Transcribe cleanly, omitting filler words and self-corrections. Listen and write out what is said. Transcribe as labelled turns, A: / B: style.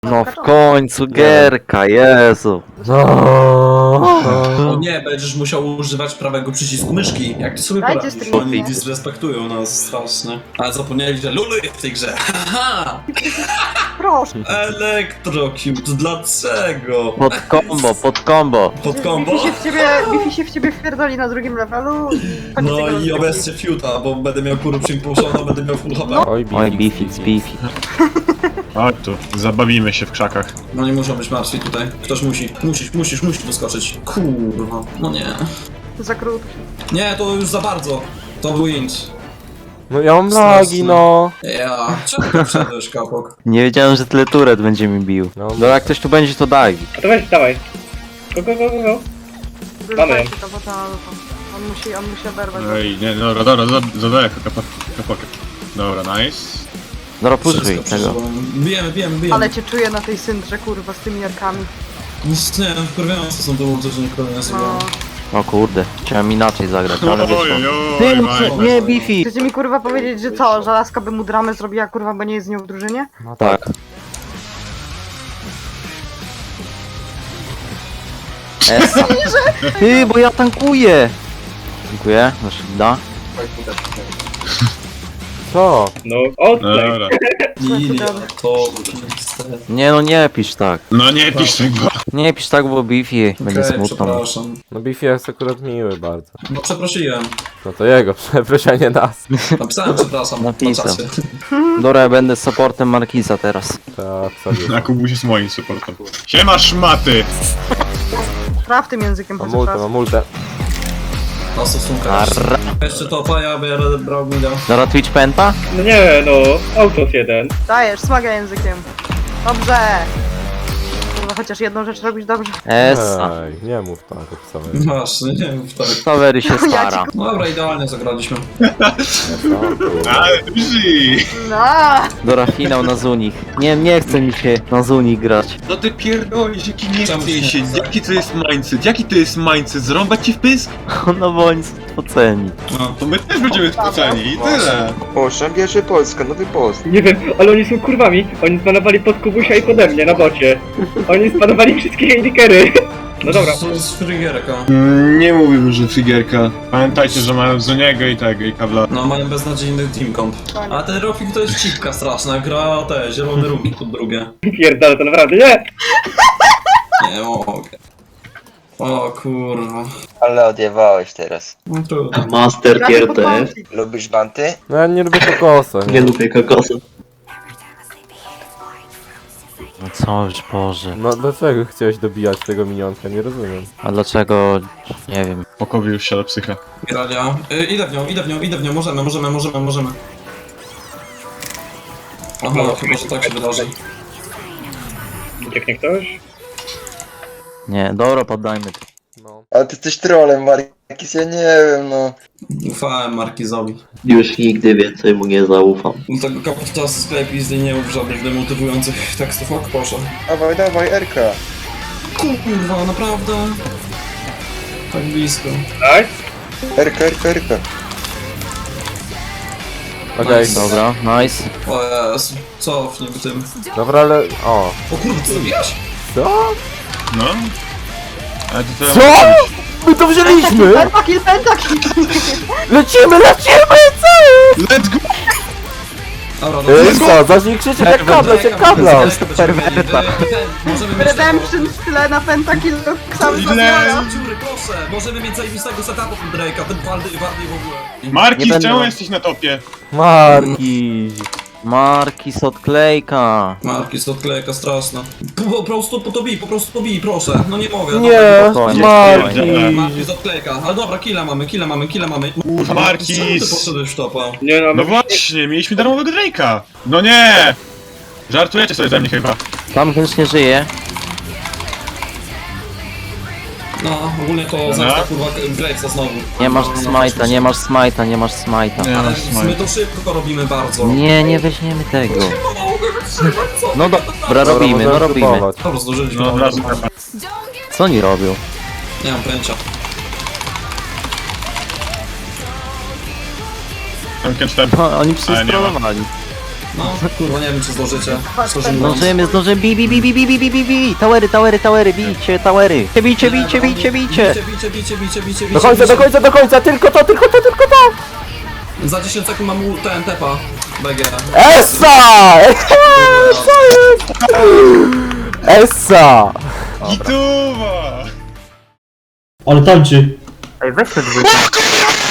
A: No w końcu gierka, Jezu.
B: O nie, będziesz musiał używać prawego przycisku myszki. Jak ty sobie
C: Dajcie
B: poradzisz?
C: stream.
B: Oni disrespektują nas strasznie. Ale zapomnieli, że Lulu jest w tej grze. Haha!
C: Proszę.
B: Electrocute, dlaczego?
A: Pod combo.
B: Pod combo?
C: Bifi się w ciebie wpierdoli na drugim levelu i koniec
B: No
C: tego
B: i
C: rozgrywki.
B: obecnie fiuta, bo będę miał kurę impulszoną, będę miał full HP.
D: Oj,
A: Oj, beefy.
D: Chodź tu, zabawimy się w krzakach.
B: No nie muszą być martwi tutaj. Ktoś musi. Musisz doskoczyć. Kurwa, no nie.
C: Za krótko.
B: Nie, to już za bardzo. To był int.
D: No ja mam lagi, no.
B: Ja, czemu ty wszedłeś, kapok?
A: Nie wiedziałem, że tyle turet będzie mi bił. No jak ktoś tu będzie, to daj.
E: A to weź, dawaj. Go. Mamy.
C: Wyrzucajcie to, bo to on musi oberwać.
D: Ej, nie, dobra, zadaję kapokę. Dobra, nice.
A: Dobra, puszczaj
B: Wszystko
A: tego.
B: przeżyłem. Bijemy.
C: Ale cię czuję na tej syndrze, kurwa, z tymi jarkami.
B: Nie, wkurwiające są te ulty, że nikogo nie sobie.
C: No.
A: O kurde, chciałem inaczej zagrać, ale wyszło.
D: Oj,
A: Nie, beefy!
C: Chcecie mi kurwa powiedzieć, że co, że laska by mu dramę zrobiła, kurwa, bo nie jest z nią w drużynie?
A: No tak. Esa. Ty, bo ja tankuję! Dziękuję, nasz da.
D: Co?
E: No, odplay.
D: Dobra.
B: Lilia, to...
A: Nie no, nie pisz tak.
D: No nie pisz tego.
A: Nie pisz tak, bo beefy będzie
B: Okej,
A: smutno.
B: przepraszam.
D: No Biffy jest akurat miły bardzo.
B: No przeprosiłem.
D: No to jego, przeproszenie nas.
B: Napisałem przepraszam na
A: Napisał.
B: czacie.
A: Dobra, ja będę supportem Markisa teraz.
D: Tak, sobie. A Kubuś jest moim supportem. Siema szmaty!
C: Traf tym językiem, po co czas.
D: Mam multę.
B: Na stosunkę.
A: Arra.
B: Jeszcze to paja, bo ja będę brał mida.
A: Dobra, Twitch penta?
E: No nie, no, autos jeden.
C: Dajesz, smaga językiem. Dobrze! Kurwa, chociaż jedną rzecz robisz dobrze.
A: Esa.
D: Ej, nie mów tak, obstawiam.
B: Właśnie, nie wiem, tak.
A: Savery się
C: Ja ci
A: stara.
B: No dobra, idealnie zagraliśmy.
D: Ale duży!
C: No!
A: Dobra, finał na Zunich. Nie chce mi się na Zunich grać.
F: No ty pierdolisz, jaki nie
B: Czemu
F: chce
B: się
F: się,
B: nie chce?
F: jaki to jest mindset, jaki to jest mindset, zrąbać ci w pysk?
A: No bo oni są oceni.
B: No.
F: To my też będziemy spoceni i tyle.
G: Proszę, bierze Polska, nowy post.
E: Nie wiem, ale oni są kurwami. Oni spanowali pod Kubusia i pode mnie na bocie. Oni spanowali wszystkie indikery. No dobra.
B: To jest frigierka.
F: Nie mówimy, że figierka.
D: Pamiętajcie, że mają Zuniego i tego, i Kawla.
B: No, mają beznadziejny team comp. A ten Rofik to jest cipka straszna, gra te zielone ruki pod drugie.
E: Pierdolę, to naprawdę nie.
B: Nie mogę. O kurwa.
G: Ale odjewałeś teraz.
B: No trudno.
H: Master
C: Ja
H: tier
C: się
H: TF.
C: podłączyć.
G: Lubisz banty?
D: No ja nie lubię kokosa,
H: Nie
D: nie?
H: lubię kokosa.
A: No co już, Boże.
D: No dlaczego chciałeś dobijać tego minionka? Nie rozumiem.
A: A dlaczego? Nie wiem.
D: Pokowił się do psycha.
B: Gralia. Idę w nią, możemy. Aha, chyba, że tak się wydarzy.
E: Ucieknie ktoś?
A: Nie, dobra, poddajmy to.
D: No.
G: Ale ty jesteś trolem, Markis, ja nie wiem, no.
B: Ufałem Markizowi.
H: Już nigdy więcej mu nie zaufam.
B: Do tego kapitana z sklepu nie mów żadnych demotywujących tekstów, ok, proszę.
G: Dawaj, Erka.
B: Kurwa, naprawdę? Tak blisko.
E: Tak?
G: Erka.
D: Okej,
B: Nice.
A: Dobra, nice.
B: O Jezu, cofnij tym.
D: dobra, ale... O.
B: O kurwa, co zrobiłeś?
D: Co?
F: No. Ale to
D: Co? My to wzięliśmy!
C: Pentakil!
D: Lecimy!
B: Let's go! Dobra,
D: Co? Zacznij krzyczeć jak kabla!
A: perwerta.
B: Możemy mieć
C: Redemption w tle na pentakil cały
B: Ile?
C: zabiera.
B: Dziury, proszę! Możemy mieć zajebistego setupu od Drake'a, ten Waldy w ogóle.
D: Marki,
A: Nie będę-
D: czemu jesteś na topie? Marki!
A: Markis odklejka.
B: Marki jest odklejka straszna. Po prostu po prostu pobij, proszę. No nie mogę.
D: Nie!
A: Spokojnie,
D: Marki!
B: Marki jest odklejka. Ale dobra, killa mamy.
D: Markis.
B: Czemu ty poszedłeś w topa?
E: Nie no,
D: No właśnie, mieliśmy darmowego Drake'a! No nie! Żartujecie sobie ze mnie chyba.
A: Tam chętnie żyje.
B: No, ogólnie to zemsta kurwa Gravesa znowu.
A: Nie masz smajta, nie masz smajta.
B: Ale my to szybko robimy bardzo.
A: Nie weźmiemy tego.
B: No mogę wytrzymać, co?
A: No dobra, robimy.
B: Dobra, zdążyliśmy.
D: No od razu
A: Co oni robią?
B: Nie mam pojęcia.
D: Tamken 4.
A: No, oni
D: Ale nie ma.
A: przystrollowali.
B: No, bo nie wiem czy zdążycie. Szczerze mówiąc.
A: Zdążymy, bi. Towery, bijcie, towery. Bijcie.
B: Bicie.
A: Do końca, tylko to.
B: Za 10 sekund mam ten tepa. BG.
A: Essa! Essa!
F: Gituwa!
E: Ale tańczy.
C: Ej, weź te dwójki.